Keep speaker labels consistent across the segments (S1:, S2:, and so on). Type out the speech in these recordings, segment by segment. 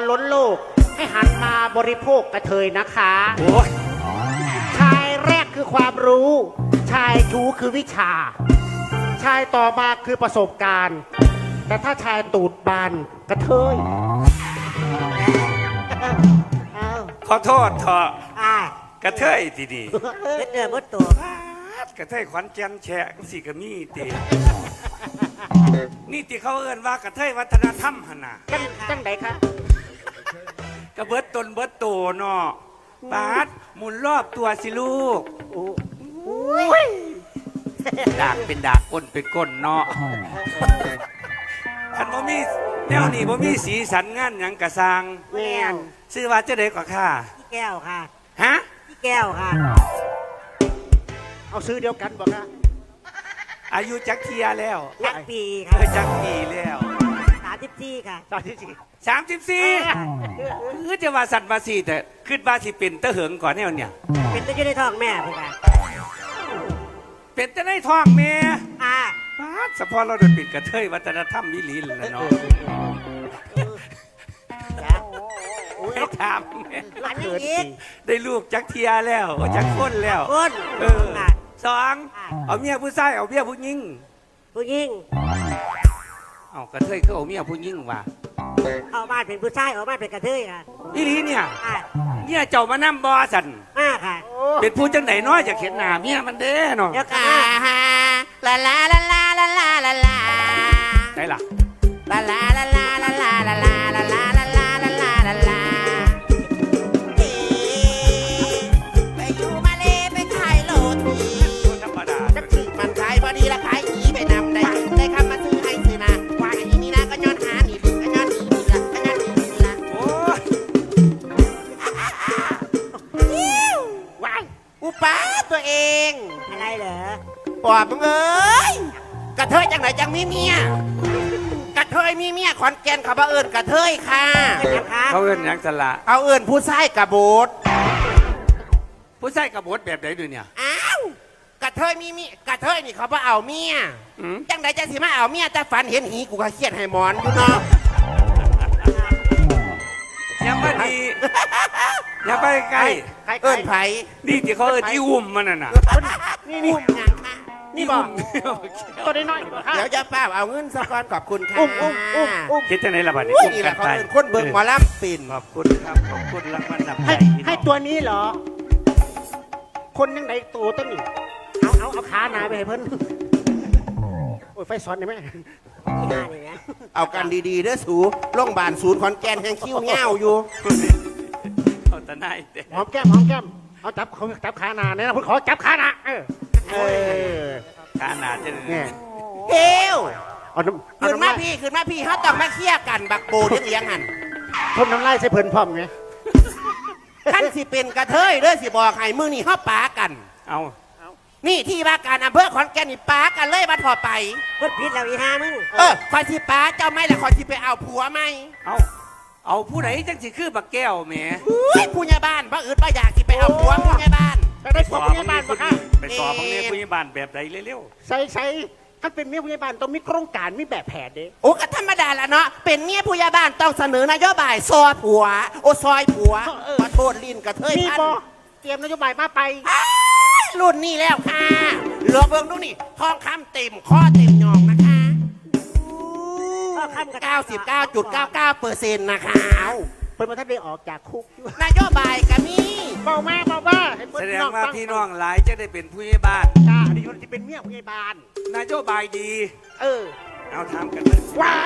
S1: ล้นโลกให้หันมาบริโภคกระเทยนะคะ
S2: โอ้ย
S1: ชายแรกคือความรู้ ชายชู้คือวิชา ชายต่อมาคือประสบการณ์ แต่ถ้าชายตูดบานกระเทยเอา
S2: ขอโทษเถอะ
S3: อ่าก
S2: ระเทยดี
S3: เฮ็ดเดือดมดตัว
S2: ๆกระเทยขวัญแก่นแฉะสิกะมีตีนี่ที่เขาเอิ้นว่ากระเทยวัฒนธรรมหั่นน่ะ
S1: จังไหนคะ
S2: กระเบิดตนเบิดโตเนาะปาดหมุนรอบตัวสิลูกดากเป็นดากก้นเป็นก้นเนาะท่านบ่มีแนวนี้บ่มีสีสันงานหยังกะสร้าง
S1: แม่น
S2: ชื่อว่าจะได้กว่าค่ะ
S3: พี่แก้วค่ะ
S2: ฮะ
S3: พี่แก้วค่ะ
S1: เอาซื้อเดียวกันบอกนะ
S2: อายุจักเทียแล้ว
S3: ยักษ์ปี
S2: เค
S3: ค่ะ
S2: ยจักปีแล้ว
S3: 34ค่ะ
S1: ตอนที่สี่
S2: 34คือจะว่าสัตว์มาสี่แต่ขึ้นมาสิเป็นตะเหิงก่อนแนวเนี่ย
S3: เป็นตัวอยู่ในท้องแม่พี่ค่ะ
S2: เป็นแต่ในท้องแม่
S3: อ่า
S2: ปาดสะพอเราเดินปิดกระเทยวัฒนธรรมวิลีนแล้วเนาะ
S3: จ้ะ
S2: ให้ถามแม่
S3: อันนี้อีก
S2: ได้ลูกจักเทียแล้วจักคนแล้ว
S3: คน
S2: เออ
S3: ค่ะ
S2: สองเอาเมียผู้ชายเอาเมียผู้หญิง
S3: ผู้หญิง
S2: เอากระเทยก็เอาเมียผู้หญิงว่ะ
S3: เอาบ้านเป็นผู้ชายเอาบ้านเป็นกระเทยค่ะ
S2: อีหลีเนี่ย
S3: อ่า
S2: เนี่ยเจ้ามานั่บอสัน
S3: มาค่ะ
S2: เป็นผู้จังไหนน้อยอยากเห็นหน้าเมียมันเด้เนาะ
S3: เดี๋ยวค่ะ
S4: ลาลาลาลาลาลาลาลา
S2: ไหนล่ะ
S4: ลาลาลาลาลาลาลาลาลาลาลาลาลาลาลาลาเอ๊ไปอยู่มาเลไปขายโรตี
S2: ธรรมดา
S4: จักถึงมันขายพอดีละขายอีไปนำได้คำมาซื้อให้ซื้อนะว่าอีนี่นะก็ย้อนหานี่ดึงก็ย้อนนี่ละก็ย้อนนี่ละ
S2: โอ้ย
S4: ว้ายอุป้าตัวเอง
S3: อะไรเหรอ
S4: ปอบมึงเอ้ยกระเทยจังไหนจังมีเมียกระเทยมีเมียขอนแก่นเขาบ่เอิญกระเทยค่ะ
S3: เป็นยังคะ
S2: เขาเอิ้นหยังสละ
S4: เอาเอิญผู้ชายกระโบด
S2: ผู้ชายกระบดแบบไหนดูเนี่ย
S4: อ้าวกระเทยมีเมียกระเทยนี่เขาบ่เอาเมีย
S2: อืม
S4: จังไหนจะสิมาเอาเมียแต่ฝันเห็นหีกูก็เครียดให้หมอนอยู่เนาะ
S2: ยังไม่ดีอย่าไปใกล้
S1: ใคร
S4: เอิญไผ
S2: นี่ที่เขาเอิ้นอีอุ่มมันน่ะนะ
S1: นี่นี่
S4: อุ้มหยังมา
S1: นี่บอกตัวน้อยๆบอกค่ะ
S4: เดี๋ยวจะป้าเอาเงินสะก้อนขอบคุณค่ะ
S1: อุ้ม
S2: คิดจังไหนล่ะบัดนี้
S4: อุ้ย
S2: อุ้ม
S4: นี่แห
S2: กั
S4: ละ
S2: น
S4: เขา
S2: ไป
S4: เอิญคนเบิ่งหมอลำปิ่น
S2: ขอบคุณครับขอบคุณรางวัลนำใจ
S1: ให้
S2: พี่น้อง
S1: ให้ตัวนี้เหรอ คนยังไหนตัวต้นนี่เอาขาหนาไปให้เพิ่นโอ้ยไฟซ้อนได้ไหม
S3: ที่มานี่นะ
S4: เอากันดีๆเด้อสูโรงพยาบาลศูนย์ขอนแก่นแห่งคิ้วเงาอยู่
S2: เอาแต่นายแต่
S1: หอมแก้มเอาจับขาหนาเนี่ยนะเพิ่นขอจับขาหนาเออ
S2: ขาหนาดจะ
S1: เนี่ย
S4: เฮ้ว
S1: เอาน้ำ
S4: ขึ้นมาพี่ขึ้นมาพี่เขาต้องมาเคลียร์กันบักโบเลี้ยงหัน
S1: พ่นน้ำลายใส่เพิ่นพร้อมไง
S4: ท่านสิเป็นกระเทยเด้อสิบอกให้มือนี่เขาปากัน
S2: เอา
S4: นี่ที่ว่าการอำเภอขอนแก่นนี่ปากันเลยมาถอดไป
S3: เพิ่นผิดแล้วอีห้ามึง
S4: คอยสิปาเจ้าไม่ละคอยสิไปเอาผัวไหม
S2: เอาผู้ไหนจังสิคือบักแก้วแหม
S4: อุ้ยผู้ใหญ่บ้านบ่อื่นบ่อยากสิไปเอาผัวผู้ใหญ่บ้าน
S1: ไปได้ผัวผู้ใหญ่บ้านปะคะ
S2: ไปสอบบังเนี่ยผู้ใหญ่บ้านแบบใดเร็ว
S1: ใส่ถ้าเป็นเมียผู้ใหญ่บ้านต้องมีโครงการมีแบบแผนเด้
S4: โอ้ก็ธรรมดาละเนาะเป็นเมียผู้ใหญ่บ้านต้องเสนอนโยบายซอยผัว โอ้ซอยผัวขอโทษลิ้นกระเทย
S1: มี
S4: พัน
S1: บอเตรียมนโยบายมาไป
S4: อ้ายรุ่นนี้แล้วค่ะเหลือเบิ่งดูนี่ทองคำเต็มข้อเต็มยองนะคะ
S3: ก็คำกับ
S4: 99.99%นะคะ
S1: เพิ่นมาท่านได้ออกจากคุกอยู่
S4: นโยบายก็มี
S1: เบาให้
S2: ๆ
S1: เพิ่
S2: แส
S1: น
S2: ดงว่าพี่น้องหลายจะได้เป็นผู้ใหญ่บ้าน
S1: จ้าอันนี้คนที่เป็นเมียผู้ใหญ่บ้าน
S2: นโยบายดี
S1: เออ
S2: เอาถามกันเลย
S1: วาย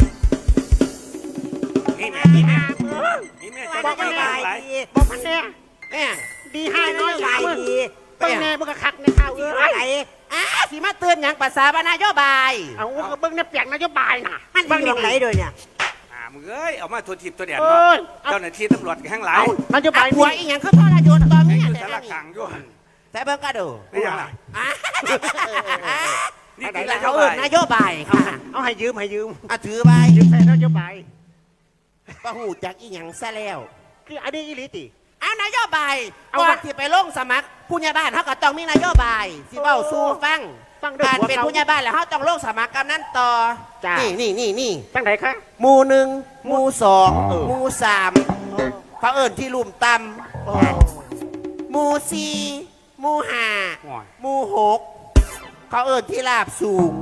S2: นี่แม่นี่แม่นี่แม่จะ
S3: บอก
S2: น
S3: ว่า
S2: โยบายหลาย
S3: ดี
S1: บอกมันแน่
S4: เนี่ย
S1: ดีให้น้อย
S3: ใหญ่
S1: มึง
S3: ดี
S1: เบิ่งแน่มึงก็คักในข่าว
S3: ดี
S1: เอ้
S3: ไหน
S1: ย
S4: สิมาเตือนอย่างภาษาบนโยบาย
S1: เอาก็เบิ่งในเปียกนโยบายน่ะ
S3: มันดีตรงไหนด้วยเนี่ย
S2: มึงเอ้ยเอามาทัวทิพย์ตัวเดียด
S1: เอ้
S2: เนาะ
S1: ยเอา
S2: เจ้าหน้าที่ตำรวจแห่งหลาย
S1: นโยบาย
S4: ผัวอีหยังคือพ่อราโยนตอนนี้
S2: อยู่
S4: แต่
S2: สารกลางอยู่
S4: แต่เบิ่งก็ดู
S2: ไม่ยังล่ะ
S4: อ่ะ
S2: นี่
S4: นี่
S2: คือ
S4: คื
S2: น
S4: อ
S2: โย
S4: เขาเอิ้
S2: บาน ย
S4: นโยบายค่ะ
S1: เอาให้ยืม
S4: อ่ะถือใบ
S1: ยืมใส่นโยบาย
S4: ก็หูจักอีหยังซะแล้ว
S1: คืออันนี้อีหลีติ
S4: เอานโยบาย
S1: เอา
S4: ก่อน
S1: วะ
S4: ที่ไปลงสมัครผู้ใหญ่บ้านเขาก็ต้องมีนโยบายสิเว้าสู่ฟัง
S1: ฟังเด้อ
S4: การ
S1: ผัว
S4: เป็น
S1: เขา
S4: ผู้ใหญ่บ้านแล้วเขาต้องลงสมัครกำนันต่อ
S1: จ้า
S4: นี่
S1: จังไหนคะ
S4: หมู่หนึ่งหมู่สอง
S1: เออ
S4: หมู่สามเขาเอิญที่ลุ่มตำหมู่สี่หมู่ห้า
S2: โอ้ย
S4: หมู่หกเขาเอิญที่ลาบสูง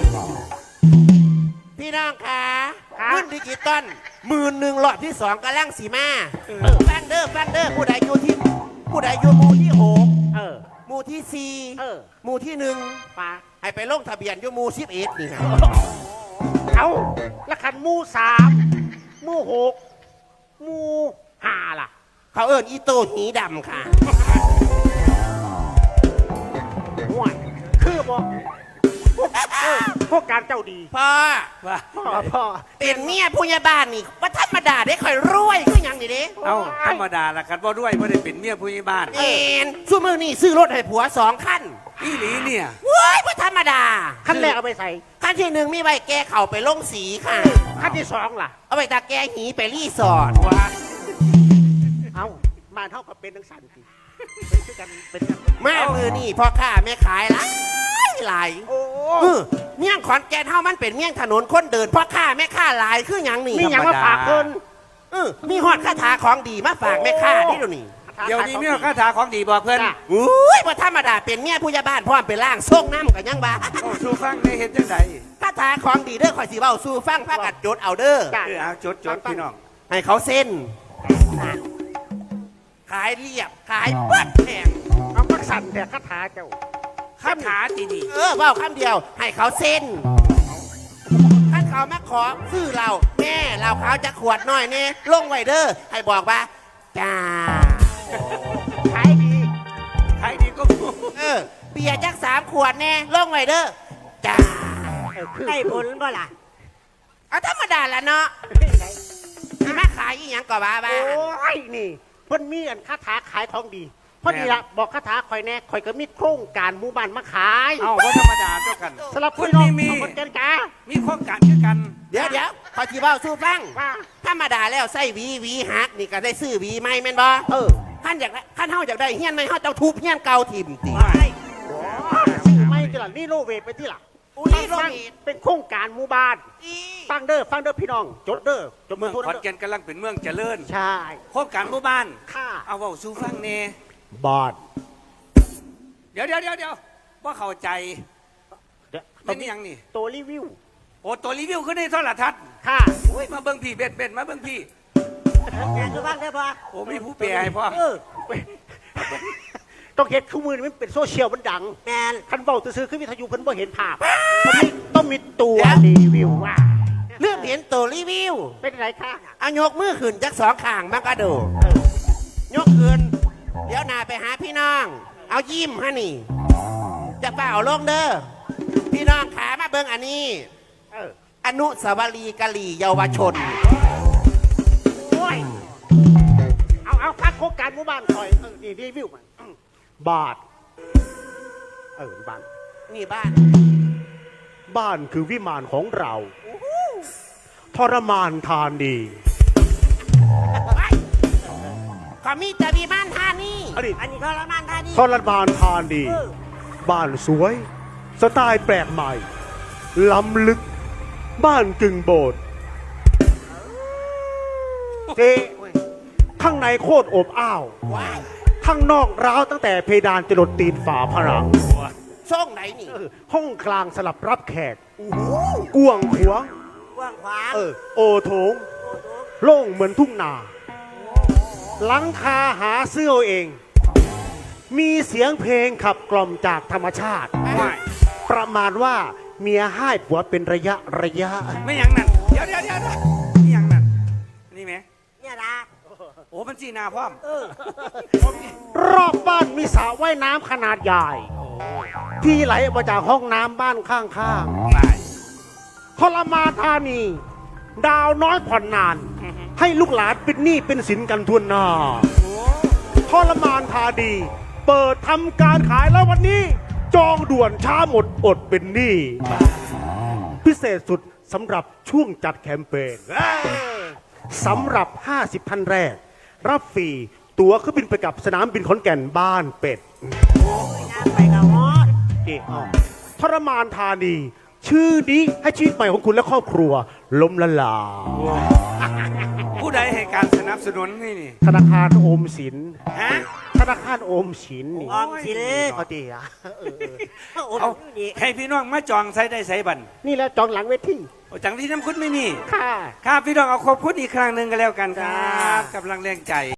S4: พี่น้องคะเงินดิจิตอล11,000หลอดที่2กำลังสีมาฟังเด้อผู้ใดอยู่หมู่ที่หก
S1: เออ
S4: หมู่ที่สี่
S1: เออ
S4: หมู่ที่หนึ่ง
S1: ปลา
S4: ให้ไปลงทะเบียนอยู่หมู่11นี่ฮะ
S1: เอาแล้วคันหมู่3หมู่6หมู่5ล่ะ
S4: เขาเอิญอีโตหีดำค่ะ
S1: ห่วยคือบอกพวกการเจ้าดี
S4: พ่อ
S2: ว่า
S1: พ่อ
S4: เป็นเมียผู้ใหญ่บ้านนี่ว่าธรรมดาได้ค่อยรวยคือหยังนี่เด้
S2: เอ้าธรรมดาละครับว่าด้วยว่าได้เป็นเมียผู้ใหญ่บ้าน
S4: เอ็นซูมือนี่ซื้อรถให้ผัว2คัน
S2: อีหลีเนี่ย
S4: เว้ยว่าธรรมดา
S1: ขั้นแรกเอาไปใส่
S4: คันที่หนึ่งมีใบแก้เข่าไปลงสีค่ะ
S1: ขั้นที่2ล่ะ
S4: เอาไปตาแก้หีไปรีสอร์ท
S2: ว่า
S1: เอามาเท่ากับเป็นทั้งสันติเป็นคือกันเป็นกัน
S4: มามือนี่พ่อค้าแม่ขายหลาย
S1: โอ้
S4: เมี่ยงขอนแก่นเฮามันเป็นเมี่ยงถนนคนเดินพ่อค้าแม่ค้าหลายคือหยังนี่
S1: มีอย่างมาฝากเพิ่น
S4: มีฮอดคาถาของดีมาฝากแม่ค้านี่ดูนี่
S2: เดี๋ยวนี้มีคาถาของดีบอกเพื่อน
S1: จ้ะ
S4: อุ้ยว่าธรรมดาเป็นเมียผู้ใหญ่บ้านพร้อมเป็นร่างทรงน้ำกันยังบ้า
S2: โอ้ชูฟังในเห็นจังได
S4: คาถาของดีเด้อข่อยสิเว้าสู่ฟังพากัดจดเอาเด้อ
S1: จ้ะ
S2: เอาจดพี่น้อง
S4: ให้เขาเส้น ขายเรียบขายปัดแพง
S1: เอามักสั่นแต่คาถาเจ้า
S2: คาถาดีดี
S4: เว้าคำเดียว ให้เขาเส้นถ้าเขามาขอซื้อเราแม่เราเขาจะขวดน้อยเนี่ยลงไว้เด้อให้บอกว่าจ้า
S1: ขายดี
S2: ใครดีก็
S4: เบียร์จัก3 ขวดแน่ลงไว้เด้อจ้า
S1: คือ
S3: ได้ผลบ่ล่ะ
S4: เอาธรรมดาละเนาะที่มาขายอีหยังก็บ้าบ้า
S1: โอ้ยนี่เพิ่นมีอันคาถาขายของดีเพราะนี่ละบอกคาถาคอยแน่คอยก็มีโครงการหมู่บ้านมาขาย
S2: เอ้าว่าธรรมดาเท่ากัน
S1: สำหรับ
S2: คุ
S1: พี่
S2: ณ
S1: น้อง
S2: มี
S1: เอาคนเจนกา
S2: มีโครงการคือกัน
S4: เดี๋ยวขอที่เบ้าสู้ฟัง
S1: ว่า
S4: ธรรมดาแล้วใส่หวีหักนี่ก็ได้ซื้อหวีใหม่แม่นบ่
S1: เออ
S4: ขั้นเฮาอยากได้เฮียนใหม่เฮาต้องทุบเฮียนเก่าถิ่มติ
S1: ซื้อไม่จะล่ะนี่โลเวทไปที่ล่ะ
S4: รีโนเวท
S1: เป็นโครงการหมู่บ้าน ฟังเด้อพี่น้อง จดเด้อจด
S2: เมือง
S1: โทร
S2: ขอน
S1: เด้อ
S2: แก่นกำลังเป็นเมืองเจริญ
S1: ใช่
S2: โครงการหมู่บ้าน
S1: ค่า
S2: เอาเว่าสู้ฟังเน่
S1: บอด
S2: เดี๋ยวว่าเข้าใจ
S1: ตั
S2: เป็
S1: วน นี้
S2: ยังนี่
S1: ตัวรีวิว
S2: โอ้ตัวรีวิวขึ้นในโทรทัศน์
S1: ค่ะ
S2: โอ้ยมาเบิ่งพี่เบ็ดมาเบิ่งพี่
S3: งานคือบ้างได้อพ่อ
S2: โอ้มีผู้แปลให้พ่อ
S1: ต้องเห็นคู่มือนี่มันเป็นโซเชียลมันดัง
S3: แมน
S1: คันเบาซื้อขึ้นวิทยุเพิ่นบ่เห็นภาพมันต้องมีตัวรีวิวว่า
S4: เรื่องเห็นตัวรีวิว
S1: เป็นไรคะ
S4: เอายกมือขึ้นจัก2 ข้างมันก็ดู
S1: เออย
S4: กขึ้นเดี๋ยวหน้าไปหาพี่น้อง เอายิ้มฮะนี่จะเปล่าลงเด้อพี่น้องขามาเบิ่งอันนี้
S1: เออ
S4: อนุสาวรีย์กะหรี่เยาวชน
S1: โอ้ยเอาพักโครงการหมู่บ้านคอยนี่รีวิวมันบาทบ้าน
S4: นี่บ้าน
S1: บ้านคือวิมานของเราทรมานทานดี
S4: เขามีแต่มีบ้านท่านี่
S1: อันนี้
S3: อันนี้ทรมานท่านี่
S1: ทรมานทานดี บ้านสวย สไตล์แปลกใหม่ ล้ำลึก บ้านกึ่งโบสถ์เจ๊ข้างในโคตรอบอ้าว
S4: ว้าย
S1: ข้างนอกร้าวตั้งแต่เพดานจรดตีนฝาผนัง
S4: ช่องไหนนี่
S1: ห้องกลางสลับรับแขก
S4: โอ้โห
S1: กวางขวาง
S3: กว้างขวาง
S1: โอโถง โล่งเหมือนทุ่งนา หลังคาหาเสื้อเอง มีเสียงเพลงขับกล่อมจากธรรมชาติ
S2: ว้าย
S1: ประมาณว่าเมียให้ผัวเป็นระยะ
S2: ไม่ยังนั่นเดี๋ยวนี่ยังนั่นนี่ไหม
S3: เนี่ยนะ
S2: โอ้มันจีนาพร้อม
S1: รอบบ้านมีสระว่ายน้ำขนาดใหญ่ ที่ไหลออกมาจากห้องน้ำบ้านข้าง
S2: ว้าย
S1: ๆทรมานธานี ดาวน้อยผ่อนนาน ให้ลูกหลานเป็นหนี้เป็นสินกันทั่วหน้าทรมานธานี เปิดทำการขายแล้ววันนี้ จองด่วนช้าหมดอดเป็นหนี้พิเศษสุดสำหรับช่วงจัดแคมเปญสำหรับ 50 ท่านแรก รับฟรีตั๋วเครื่องบินไปกับสนามบินขอนแก่นบ้านเป็ด
S3: งานไปกับฮอด
S1: เจ๊อ้อทรมานธานี ชื่อนี้ให้ชีวิตใหม่ของคุณและครอบครัวล้มละลาย
S2: ผู้ใดให้การสนับสนุนนี่นี่
S1: ธนาคารโอมสิน
S2: ฮะ
S1: ธนาคารโอมสินนี่
S3: ออมสิน
S1: เอาดีอะ
S3: โอ้
S2: เอา
S3: ดี
S2: ให้พี่น้องมาจองใส่ได้ใส่บัน
S1: นี่แหละจองหลังเวที
S2: โอ้จังที่น้ำคุณไม่มี
S1: ค่ะ
S2: ครับพี่น้องเอาขอบคุณอีกครั้งหนึ่งกันแล้วกันครับกำลังแรงใจ